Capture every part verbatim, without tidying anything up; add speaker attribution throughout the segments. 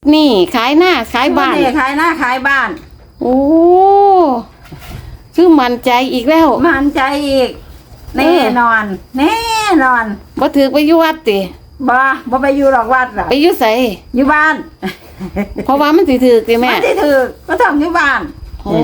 Speaker 1: นี่ขายหน้าขายบ้าน
Speaker 2: นี่ขายหน้าขายบ้าน
Speaker 1: โอ้คือมั่นใจอีกแล้ว
Speaker 2: มั่นใจอีกแน่นอนแน่นอน
Speaker 1: บ่ถือไปอยู่วัดติ
Speaker 2: บ่บ่ไปอยู่หรอกวัดหรอก
Speaker 1: ไปอยู่ไส
Speaker 2: อยู่บ้าน
Speaker 1: เพราะว่ามันสิถือติแม่
Speaker 2: มันที่ถือก็ต้องอยู่บ้าน
Speaker 1: โอ้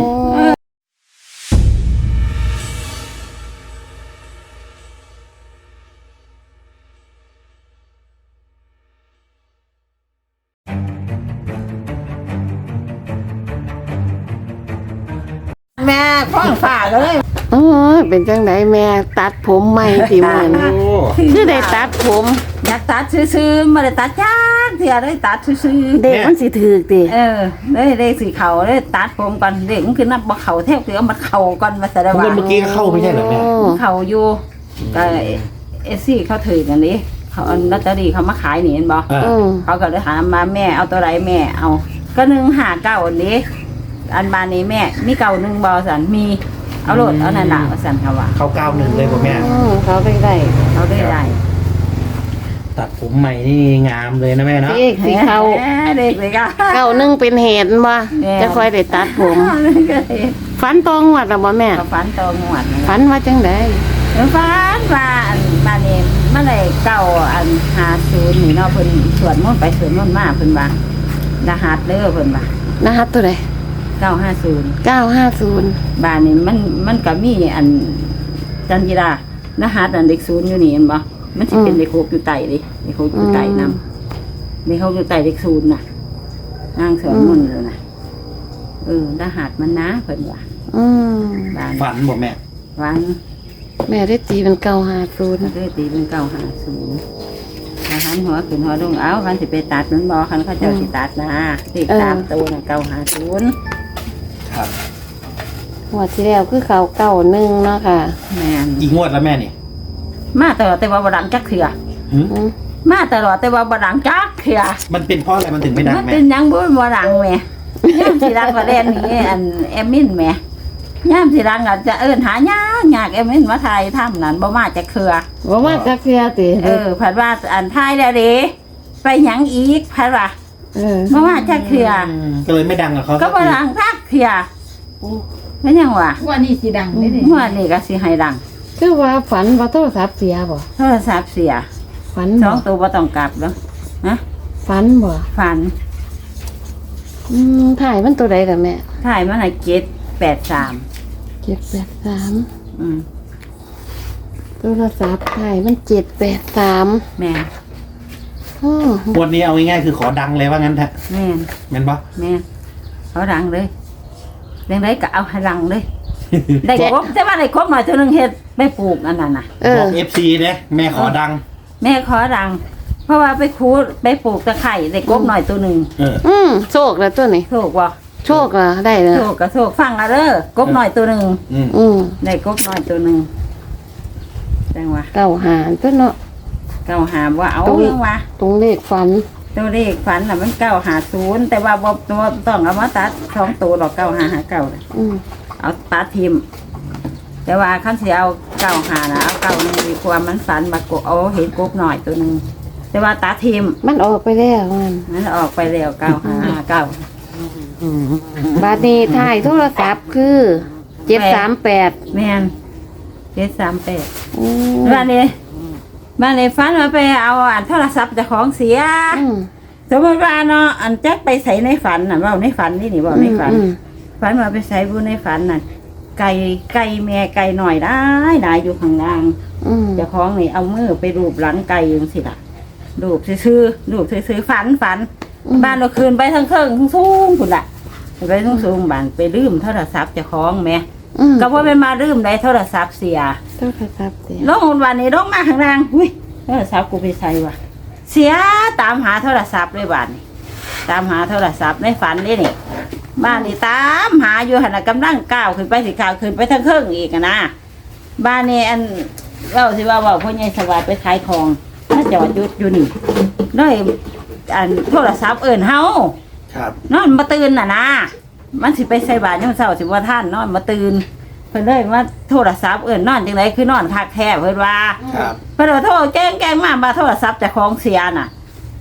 Speaker 2: แม่พ้องฝากเลย
Speaker 1: เออเป็นจังไดแม่ตัดผมใหม่ติมื้อนี้คือได้ตัดผม
Speaker 2: อยากตัดซื่อๆไม่ได้ตัดจ้าเสียได้ตัดซื่อๆ
Speaker 1: เด็กมันสิถือติ
Speaker 2: เออได้ได้สีเขาได้ตัดผมก่อนเด็กมันคือนับบ่เขาแทบเสือมันเขาก่อนมาแสดง
Speaker 3: เมื่
Speaker 2: ว่า
Speaker 3: อกี้ก็เข้าไม่ใช่เหรอแม่
Speaker 2: เขาอยู่ก็เอซี่เขาถือกันนี้เขาเอาลอตเตอรี่เขามาขายนี่เห็นบ่
Speaker 3: อ่า
Speaker 1: อืม
Speaker 2: เขาก็เลยถามมาแม่เอาตัวไรแม่เอา ก็หนึ่งหาเก้าอันนี้ อันบานนี้แม่มีเก่าหนึ่งบอสันมีเอาโหลดเอานันดาสันเขาว่า
Speaker 3: เข้าเก้าหนึ่งเลยป่ะแม่
Speaker 1: อืมเขาได้ได้
Speaker 2: เขาได้ได้
Speaker 3: ตัดผมใหม่นี่งามเลยนะแม่เนาะ
Speaker 1: เด็กสิเขา
Speaker 2: แหมเด็กเลยก็
Speaker 1: เก้าหนึงเป็นเหตุบ่
Speaker 2: แม่
Speaker 1: จะค่อยได้ตัดผม
Speaker 2: ก็เลย
Speaker 1: ฝันตองวัดล่ะบ่แม่
Speaker 2: เขาฝันโตงวด
Speaker 1: ฝันว่าจังได
Speaker 2: ฝันว่าอันบานนี้เมื่อไรเก่าอันหาศูนย์นี่เนาะเพิ่นสวดมนต์ไปสวดมนต์มาเพิ่นว่ารหัสเด้อเพิ่นว่าร
Speaker 1: หัสตัวใด
Speaker 2: เก้าห้าศูนย์
Speaker 1: เก้าห้าศูนย์
Speaker 2: บ้านนี่มันมันก็มีอันจันจิรารหัสอันเด็กศูนย์อยู่นี่เห็นบ่มันสิเป็นเด็กหกอยู่ใต้ดิเด็กหกอยู่ใต้นำเด็กหกอยู่ใต้เด็กศูนย์น่ะนางสอนมนต์เลยน่ะเออรหัสมันนะเพิ่นว่า
Speaker 1: อืม
Speaker 2: บ้าน
Speaker 3: ฝันบอกแม่
Speaker 2: วัน
Speaker 1: แม่ได้ตีเป็นเก้าห้าศูนย์
Speaker 2: มันก็ตีเป็นเก้าห้าศูนย์ถ้าหันหัวขึ้นหัวลงเอาคันสิไปตัดมันบ่คันเขาเจ้าสิตัดนะเลขสามตัวน่ะเก้าห้าศูนย์
Speaker 3: ครับ
Speaker 1: หัวดที่แล้วคือเขาเก้าหนึ่งเนาะค่ะ
Speaker 2: แม่น
Speaker 3: อีกงวดแล้วแม่นี่
Speaker 2: มาตลอดแต่ว่าบ่ดังจักเถื่อ
Speaker 3: หึ
Speaker 1: อืม
Speaker 2: มาตลอดแต่ว่าบ่ดังจักเถื่อ
Speaker 3: มันเป็นเพราะอะไรมันถึงไม่ดัง
Speaker 2: มัน
Speaker 3: แม่
Speaker 2: เป็นหยังบ่บ่ดังแหม่ย่ามสิดังกว่าแดนนี่อันแอมมินแหม่ย่ามสิดังอาจจะเอิ้นหายากยากแอมมินมาถ่ายทำนั่นบ่มาจักเถื่อ
Speaker 1: บ่มาจักเทื่อติ
Speaker 2: เออผัดว่าอันถ่ายแล้วเด้ไปหยังอีกผัดว่า
Speaker 1: เออ
Speaker 2: บ่มาจักเถื่อ
Speaker 3: มก็เลยไม่ดังกับเขา
Speaker 2: ก็บ่ดังจักเถื่อเป็นหยังวะ
Speaker 4: ว่านี่สีดังนี่ดิ
Speaker 2: เมื่อนี่ก็สิให้ดัง
Speaker 1: คือว่าฝันว่าโทรศัพท์เสียบ่
Speaker 2: โทรศัพท์เสีย
Speaker 1: ฝัน
Speaker 2: ส
Speaker 1: บ่
Speaker 2: องตัวบ่ต้องกลับแล้วนะ
Speaker 1: ฝันบ่
Speaker 2: ฝัน
Speaker 1: อืมถ่ายมันตัวใดล่ะแม่
Speaker 2: ถ่ายมาให้เจ็ดแปดสาม
Speaker 1: เจ็ดแปดสาม
Speaker 2: อืม
Speaker 1: โทรศัพท์ถ่ายมันเจ็ดแปดสาม
Speaker 2: แม่น
Speaker 1: อืม
Speaker 3: งวดนี้เอาง่ายๆคือขอดังเลยว่างั้นแท้
Speaker 2: แม่น
Speaker 3: แม่นปะ
Speaker 2: แม่นเขาดังเลยเรื่องไรก็เอาให้ดังเลย ได้ครบแต่ว่าได้ครบหน่อยเท่านึงเฮ็ดได้ปลูกอันนั้นน่ะ
Speaker 1: เอ
Speaker 3: บอก
Speaker 1: อ
Speaker 3: เอฟซีเนี่ยแม่ขอดัง
Speaker 2: แม่ขอดัง เพราะว่าไปคูดไปปลูกตะไคร่ได้ครบหน่อยตัวหนึ่ง
Speaker 3: เออ
Speaker 1: อืมโชคแล้วตัวนี้
Speaker 2: โชคบ่
Speaker 1: โชคอ่ะได้เลย
Speaker 2: โชคกับโชคฟังอะเด้อกบหน่อยตัวหนึ่ง
Speaker 3: อืม
Speaker 1: อืม
Speaker 2: ได้กบหน่อยตัวหนึ่งจังว่า
Speaker 1: เก้าหารตัวเนาะ
Speaker 2: เก้าหาว่าเอา
Speaker 1: ตรง
Speaker 2: เรื่องว่า
Speaker 1: ตรงเลขฝัน
Speaker 2: ตัวเลขฝันน่ะมันเก้าหาศูนย์แต่ว่าบ่บ่ต้องเอามาตัดสองตัวหรอกเก้าหาหาเก้า
Speaker 1: อืม
Speaker 2: เอาตัดทิมแต่ว่าขั้นสิเอาเก้าหานะเอาเก้าหนึ่งดีกว่ามันฝันมากบเอาเห็นกบหน่อยตัวหนึ่งแต่ว่าตัดทิม
Speaker 1: มันออกไปแล้วมัน
Speaker 2: มันออกไปแล้วเก้าหาเก้า
Speaker 1: บาดนี้ถ่ายโทรศัพท์คือเจ็ดสามแปด
Speaker 2: แม่นเจ็ดสามแปด
Speaker 1: อืม
Speaker 2: บ้านนี้บ้านนี้ฝันว่าไปเอาอันโทรศัพท์เจากของเสีย
Speaker 1: อืม
Speaker 2: สมมติว่าเนาะอันแจ็คไปใส่ในฝันน่ะเว่าในฝันนี่นี่เว่าในฝัน
Speaker 1: อืม
Speaker 2: ฝันว่าไปใส่บุในฝันน่ะไก่ไก่แม่ไก่หน่อยได้ได้อยู่ข้างล่าง
Speaker 1: อืม
Speaker 2: เจ้าของนี่เอามือไปรูปหลังไก่ยังสิล่ะรูปซื่อๆรูปซื่อๆฝันฝัน บ้านเราคืนไปทั้งเครื่องทั้งสูงพุ่นละไปทั้งสูงบ้านไปลืมโทรศัพท์เจ้าของแม่
Speaker 1: อืม
Speaker 2: ก็ว่าไปมาลืมได้โทรศัพท์เสีย
Speaker 1: โทรศัพท์เสีย
Speaker 2: ลงวันนี้ลงมาข้างล่างอุ้ยโทรศัพท์กูไปใส่วะเสียตามหาโทรศัพท์เลยบ้านนี้ตามหาโทรศัพท์ในฝันนี่นี่บ้านนี่ตามหาอยู่หันน่ะกำลังก้าวขึ้นไปสิก้าวขึ้นไปทั้งเครื่องอีกอะนะบ้านนี้อันเราสิว่าว่าพ่อใหญ่สวัสดิ์ไปขายของถ้าจอดหยุดอยู่นี่เลยอันโทรศัพท์เอิ่นเฮา
Speaker 3: ครับ
Speaker 2: นอนมาตื่นน่ะนะมันสิไปใส่บาตรยามเช้าสิว่าท่านนอนมาตื่นเพิ่นเลยว่าโทรศัพท์เอิ่นนอนจังไดคือนอนคักแท้เพิ่นว่า
Speaker 3: ครับ
Speaker 2: เพิ่นว่าโทรแกล้งแกล้งมาบ่าโทรศัพท์เจ้าของเสียน่ะ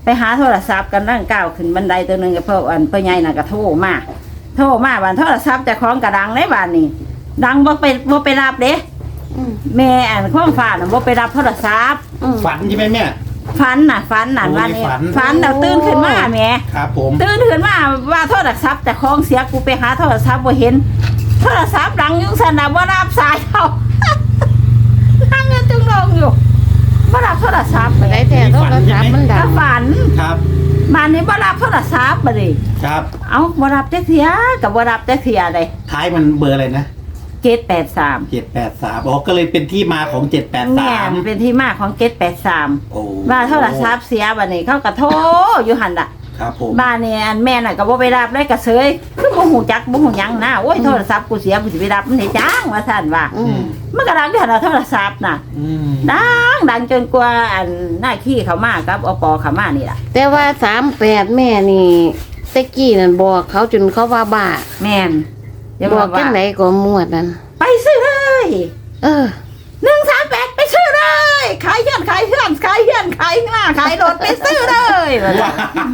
Speaker 2: ไปหาโทรศัพท์กันนั่งก้าวขึ้นบันไดตัวหนึงกับเพื่ออันเพื่อใหญ่น่ะก็โทรมาโทรมาบ้านโทรศัพท์เจะคล้าของกระดังในบ้านนี่ดังบ่ไปบ่ไปรับเด้
Speaker 1: อืม
Speaker 2: แม่อันข้องฟ้าน่ะบ่ไปรับโทรศัพท์
Speaker 1: อืม
Speaker 3: ฝันใช่ไหมแม่
Speaker 2: ฝันน่ะฝันน่ะ
Speaker 3: โอ้
Speaker 2: ว่านี่
Speaker 3: ฝัน
Speaker 2: ฝันแล้วตื่นขึ้นมาแหม่
Speaker 3: ครับผม
Speaker 2: ตื่นขึ้นมาว่าโทรศัพท์เจะคล้าของเสียกูไปหาโทรศัพท์บ่เห็นโทรศัพท์ดังอยู่ซั่นน่ะบ่รับสายเขา นั่งกันจึงลงอยู่บ่รับโทรศัพท์
Speaker 1: บ่ได้แท้โทรศัพท์มันดั
Speaker 2: ก็
Speaker 1: ง
Speaker 2: ฝัน
Speaker 3: ครับ
Speaker 2: บ้านนี้บ่รับโทรศัพท์บัดนี้
Speaker 3: ครับ
Speaker 2: เอ้าบ่รับจักเที่ยก็บ่รับจักเที่ยเลย
Speaker 3: ท้ายมันเบอร์อะไรนะ
Speaker 2: เจ็ดแปดสาม
Speaker 3: เจ็ดแปดสามอ๋อก็เลยเป็นที่มาของเจ็ดแปด
Speaker 2: แม่
Speaker 3: สาม
Speaker 2: นเป็นที่มาของเจ็ดแปดสาม
Speaker 3: โอ้
Speaker 2: ว่าโทรศัพท์เสียบัดนี้เขาก็โทรอยู่หั่นล่ะ
Speaker 3: ครับผม
Speaker 2: บ้านนี่อันแม่น่ะก็บ่ไปรับเลยก็เสยคือบ่ฮู้จักบ่ฮู้หยังนะโอ้ยโทรศัพท์กูเสียกูสิไปรับมันได้จังว่าซั่นว่า
Speaker 1: อืม
Speaker 2: มันก็ดังอยู่หั่นน่ะโทรศัพท์น่ะ
Speaker 3: อืม
Speaker 2: ดังดังจนกว่าอันหน้าขี้เขามากับอปเขามานี่ล่ะ
Speaker 1: แต่ว่าสามแปดแม่นี่แตะกี้นั่นบอกเขาจนเขาว่าบ้า
Speaker 2: แม่นอย่า
Speaker 1: บบ อ
Speaker 2: อก ก
Speaker 1: จั
Speaker 2: ว่าง
Speaker 1: ไหนก็มวดนั่น
Speaker 2: ไปซื้อเลย
Speaker 1: เออ
Speaker 2: หนึ่งสามแปดไปซื้อเลยขายเฮือนขายเฮือนขายเฮือนขายหน้าขายรถไปซื้อเลย
Speaker 3: ว้า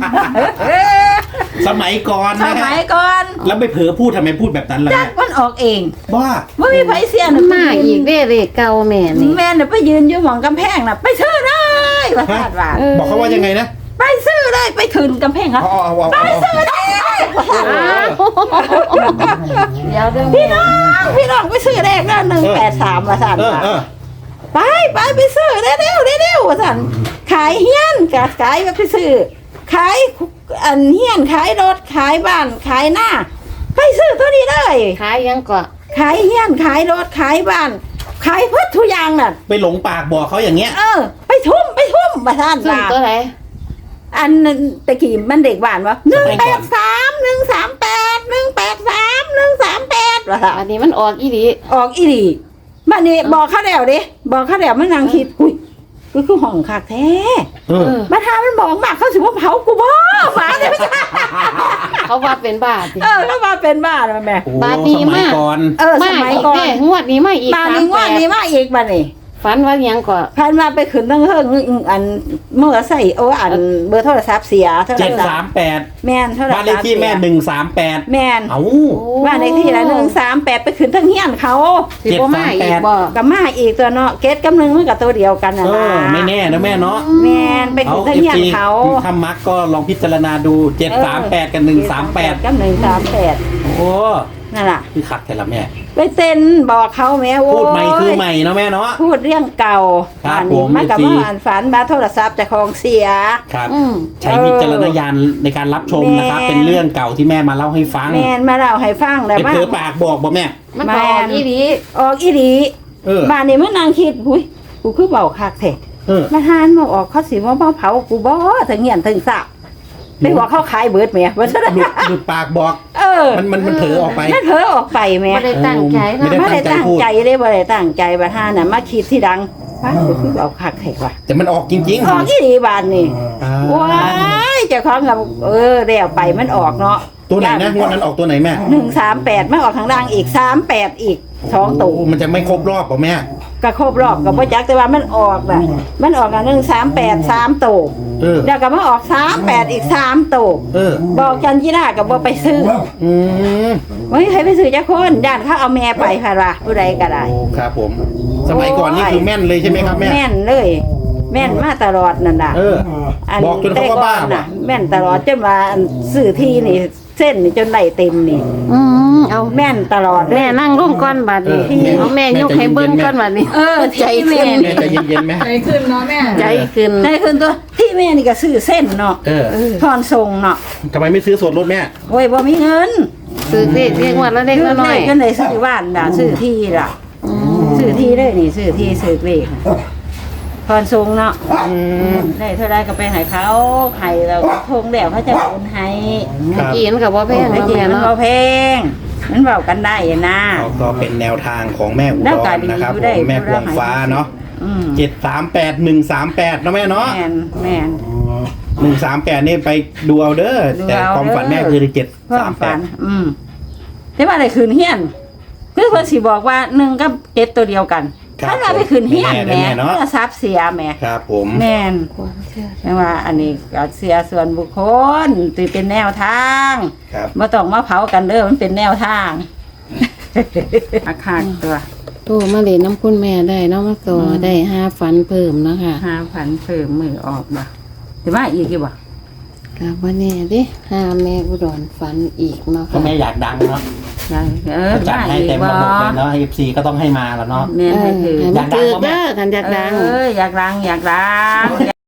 Speaker 3: สมัยก่อน
Speaker 2: ส
Speaker 3: นะ
Speaker 2: มั
Speaker 3: ฮะ
Speaker 2: ยก่อน
Speaker 3: แล้วไม่เผลอพูดทำไมพูดแบบนั้นล่ะ
Speaker 2: จัก
Speaker 3: แม่
Speaker 2: มันออกเอง
Speaker 3: ว่า
Speaker 2: ไม่มีไผเสีย
Speaker 1: มัน
Speaker 2: น่ะ
Speaker 1: มาอีกเด้เลขเก่าแม่นี่
Speaker 2: แม่เนี่ยไปยืนอยู่หมองกำแพงน่ะไปซื้อเลยว่าคาดว่า
Speaker 1: เออ
Speaker 3: บอกเขาว่ายังไงนะ
Speaker 2: ไปซื้อเลยไปถึงกำแพงครับ
Speaker 3: เอาเอาเอา
Speaker 2: ไป
Speaker 3: เอา
Speaker 2: ซื้อเลย
Speaker 1: อ้าวเดี๋ยวเด้อ
Speaker 2: พี่น้องพี่น้องไปซื้อเลขนั่นหนึ่งแปดสามว่าสั่น
Speaker 3: เออ
Speaker 2: ว่า
Speaker 3: เออ
Speaker 2: ไปไปไปซื้อเร็วเร็วเร็วเร็วว่าสั่นขายเฮียนกับขายไปซื้อขายอันเฮียนขายรถขายบ้านขายหน้าไปซื้อตัวนี้เลย
Speaker 1: ขายยังก็
Speaker 2: ขายเฮียนขายรถขายบ้าน ขายพืชทุกอย่างน่ะ
Speaker 3: ไปหลงปากบอกเขาอย่างเงี้ย
Speaker 2: เออ ไปทุ่มไปทุ่มมาท่าน
Speaker 1: ซึ่ง
Speaker 2: ว่า
Speaker 1: ตัวไหน
Speaker 2: อันนั้นตะกี้มันเด็กบ้านวะหนึ่งแปดสามหนึ่งสามแปดหนึ่งแปดสามหนึ่งสามแปดวะค่ะ
Speaker 1: อันนี้มันออกอีหลี
Speaker 2: ออกอีหลีบ้านนี้บอกเขาแล้วดิบอกเขาแล้วมันนางคิดอุ้ยก็คือห้องคักแท้
Speaker 3: เออ
Speaker 1: เออ
Speaker 2: มาทามันบอกมากเขาสิว่าเผากูบ่หมาเนี่ยไม่ใช่
Speaker 1: เขาว่าเป็นบ้าสิ
Speaker 2: เออแล้วมาเป็นบ้านมาแม่
Speaker 3: โอ้
Speaker 1: บาดดี
Speaker 3: สมัย
Speaker 1: มาก
Speaker 3: ก่อน
Speaker 2: เออส
Speaker 1: มา
Speaker 2: มัย
Speaker 1: อีก
Speaker 2: ก่อน
Speaker 1: เด้งวดนี้มาอีก
Speaker 2: บ้าน
Speaker 1: สาม
Speaker 2: นี้
Speaker 1: แป
Speaker 2: ว่า
Speaker 1: ด
Speaker 2: นี้มาอีกบ้านนี้
Speaker 1: ฝันว่ายังก็
Speaker 2: พันมาไปขึ้นตั้งเฮิงอันเมื่อใส่โอ้อันเบอร์โทรศัพท์เสียโทร
Speaker 3: เจ็ด
Speaker 2: ศั
Speaker 3: สา
Speaker 2: พ
Speaker 3: ม
Speaker 2: ท์
Speaker 3: แปด
Speaker 2: แม่นโทรศัพท์
Speaker 3: บ้านเลขที่แม่หนึ่งสามแปด
Speaker 2: แม่น
Speaker 3: เอ้า
Speaker 2: บ้านเลขที่ละหนึ่งสามแปดไปขึ้นทั้งเฮียนเขา
Speaker 1: สิบ่มาอีกบ่
Speaker 2: กับมาอีกตัวเนาะเกตกับหนึ่งมันกับตัวเดียวกันนะ
Speaker 3: เอ
Speaker 2: นะ
Speaker 3: อไม่แน่นะแม่เนาะ
Speaker 2: แม่นไปขึ้นทั้งเฮียนเขา
Speaker 3: ถ้ามักก็ลองพิจารณาดูเจ็ดสามแปดกับหนึ่งสามแปด
Speaker 2: กับหนึ่งสามแปด
Speaker 3: โอ้
Speaker 2: นั่นแหละ
Speaker 3: คือขัดแต่ละแม่
Speaker 2: ไปเซ็นบอกเขาแม่โอ้ย
Speaker 3: พูดใหม่คือใหม่เนาะแม่เนาะ
Speaker 2: พูดเรื่องเก่า
Speaker 3: ครับ
Speaker 2: อันนี้
Speaker 3: ผม
Speaker 2: มันกับ
Speaker 3: เอฟซี
Speaker 2: ว่าอ่านฝันบาโทรศัพท์จากของเสีย
Speaker 3: ครับ
Speaker 1: อืม
Speaker 3: ใช้วิจารณญาณในการรับชมนะครับ
Speaker 2: แม่
Speaker 3: เป็นเรื่องเก่าที่แม่มาเล่าให้ฟัง
Speaker 2: แม่นมาเล่าให้ฟังแล้ว
Speaker 3: เป็น
Speaker 2: มา
Speaker 3: เผลอปากบอกบ่แม่
Speaker 1: มันก็ออกอีหลี
Speaker 2: ออกอีดี
Speaker 3: เออ
Speaker 2: บ้านนี้มันนางคิดหุยกูคือเบาคักแท้
Speaker 3: เออ
Speaker 2: มาทานมาออกเขาสิว่ามาเผากูบ่ถึงเงียนถึงสาบไปบอกเขาขายเบิดแหม่ว่าซะ
Speaker 3: หลุดหลุดปากบอก
Speaker 2: เออ
Speaker 3: มันมันมันเผลอออกไป
Speaker 2: นั่นเผลอออกไปแหม่
Speaker 1: ไม่ได้ตั้งใจ
Speaker 3: ไม่
Speaker 1: นะ
Speaker 3: ได้
Speaker 2: ไม่ได้ตั้ง
Speaker 3: พูด
Speaker 2: ใจเลยบ่ได้ตั้งใจบ่ทานน่ะมาคิดที่ดังว้ากูคือเอาคักแท้ว่ะ
Speaker 3: แต่มันออกจริงๆ
Speaker 2: ออกอีดีบานนี่
Speaker 3: อ่า
Speaker 2: ว้ายเจ้าของกับเออแล้วไปมันออกเนาะ
Speaker 3: ตัวไหนนะงวดนั้นออกตัวไหนแม่
Speaker 2: หนึ่งสามแปดมันออกข้างล่างอีกสามแปดอีกสองตัว
Speaker 3: โมันจะไม่ครบรอบป่ะแม่
Speaker 2: ก็ครบรอบกับพ่อจักแต่ว่ามันออกน่ะมันออกกันหนึ่งสามแปดสามตัว
Speaker 3: เออ
Speaker 2: แล้วก็มาออกสามแปดอีกสามตัว
Speaker 3: เออ
Speaker 2: บอกจันจีรากับว่าไปซื้อ
Speaker 3: อืม
Speaker 2: เฮ้ยใครไปซื้อจ้าคนย่านเขาเอาแม่ไปค่ะว่าผู้ใดก็ได้
Speaker 3: โอ้ครับผม สมัยก่อนนี่คือแม่นเลยใช่ไหมครับแม่
Speaker 2: แม่นเลย แม่นมาตลอดนั่นน่ะ
Speaker 3: เออ บอกจนเขาว่าบ้า
Speaker 2: แต่ก่อน
Speaker 3: ว่ะ
Speaker 2: น่ะ แม่นตลอดจนว่าอันซื้อที่นี่เส้นนี่จนไหลเต็มนี่
Speaker 1: อืมเอา
Speaker 2: แม่นตลอดเลย
Speaker 1: แม่นั่งร่มก้อนบัดนี้
Speaker 3: เออ
Speaker 1: เอาแม่ยกให้เบิ้งก้อนบัดนี้
Speaker 2: เออ
Speaker 1: ใจ
Speaker 2: ที่
Speaker 1: ขึ้
Speaker 2: แม่
Speaker 1: น
Speaker 3: แม่ใจเย็นๆไหม
Speaker 4: ใจขึ้นเนาะแม่
Speaker 1: ใจขึ้น
Speaker 2: ได้คืนตัวที่แม่นี่ก็ซื้อเส้นเนาะ
Speaker 3: เออ
Speaker 2: ทอนทรงเนาะ
Speaker 3: ทำไมไม่ซื้อส่วนลดแม่
Speaker 2: โอ้ยบ่มีเงิน
Speaker 1: ซื้อเลขเรียกว่าแล้วเลขละน้อย
Speaker 2: ก็เลยซื้อบ้านด่าซื้อที่ล่ะซื้อที่เลยนี่ซื้อที่ซื้อเลขทอนทรงเนาะ
Speaker 3: อืม
Speaker 2: ได้เท่าไรก็ไปให้เขาให้เราทงแล้วเขาจะโอนให้
Speaker 3: ครับ
Speaker 1: กินกับว่าแพง
Speaker 2: ไอ้
Speaker 1: เนาะ
Speaker 2: จริง
Speaker 1: แม่
Speaker 2: มัน
Speaker 1: เนาะ
Speaker 2: บ่แพงมันเบากันได้นะ
Speaker 3: ก็ก็เป็นแนวทางของแม่อุ
Speaker 2: แล้ว
Speaker 3: ด
Speaker 2: ก็
Speaker 3: ร
Speaker 2: ดี
Speaker 3: นะครับ
Speaker 2: อยู่
Speaker 3: ผ
Speaker 2: ได้
Speaker 3: มแม่พวงฟ้าเนาะ
Speaker 2: อืม
Speaker 3: เจ็ดสามแปดหนึ่งสามแปดเนาะแม่เนาะ
Speaker 2: แม่นแม่น
Speaker 3: หนึ่งสามแปดนี่ไปดูเอาเด้อ
Speaker 2: ดู
Speaker 3: แต่
Speaker 2: เอา
Speaker 3: ความฝัน
Speaker 2: เด้อ
Speaker 3: แม่คือเจ็ด
Speaker 2: เพิ่
Speaker 3: สาม
Speaker 2: ม
Speaker 3: แป
Speaker 2: ฝั
Speaker 3: ด
Speaker 2: นอืมแต่ว่าได้คืนเฮียนคือเพิ่นสิบอกว่าหนึ่งกับเจ็ดตัวเดียวกัน
Speaker 3: ครับ
Speaker 2: ถ้าเราไปขึ้นเฮียน
Speaker 3: ไม่
Speaker 2: แหม่
Speaker 3: แน่เนาะ
Speaker 2: โทรศัพท์เสียแหม่
Speaker 3: ครับผม
Speaker 2: แม่น
Speaker 1: ความเชื่อ
Speaker 2: แม่ว่าอันนี้ก็เสียส่วนบุคคลตีเป็นแนวทาง
Speaker 3: ครับ
Speaker 2: บ่ต้องมาเผากันเด้อมันเป็นแนวทาง อาคารตัว
Speaker 1: โทรมาเล่นน้ำคุณแม่ได้เนาะมาต่อได้ห้าฝันเพิ่มเนาะค่ะ
Speaker 2: ห้าพันเพิ่มมือออกบ่แต่ว่าอีกอยู่บ่
Speaker 1: กับวันนี้ดิห้าแม่อุดรฝันอีกเนาะ
Speaker 3: ก็
Speaker 1: ค่ะ
Speaker 3: แม่อยากดังเนาะ
Speaker 2: ยังเออ
Speaker 3: จัด
Speaker 2: ว่า
Speaker 3: ให้
Speaker 2: อีก
Speaker 3: เต็ม
Speaker 2: บ่
Speaker 3: ระบบเลยเนาะเอฟซีก็ต้องให้มาแล้วเนาะ
Speaker 2: แม่น
Speaker 1: เอ
Speaker 2: ให้
Speaker 1: อ
Speaker 2: ถือ
Speaker 1: ให้มันเกิดเด้อกันอยากดัง
Speaker 2: เอออยากดังอยากดัง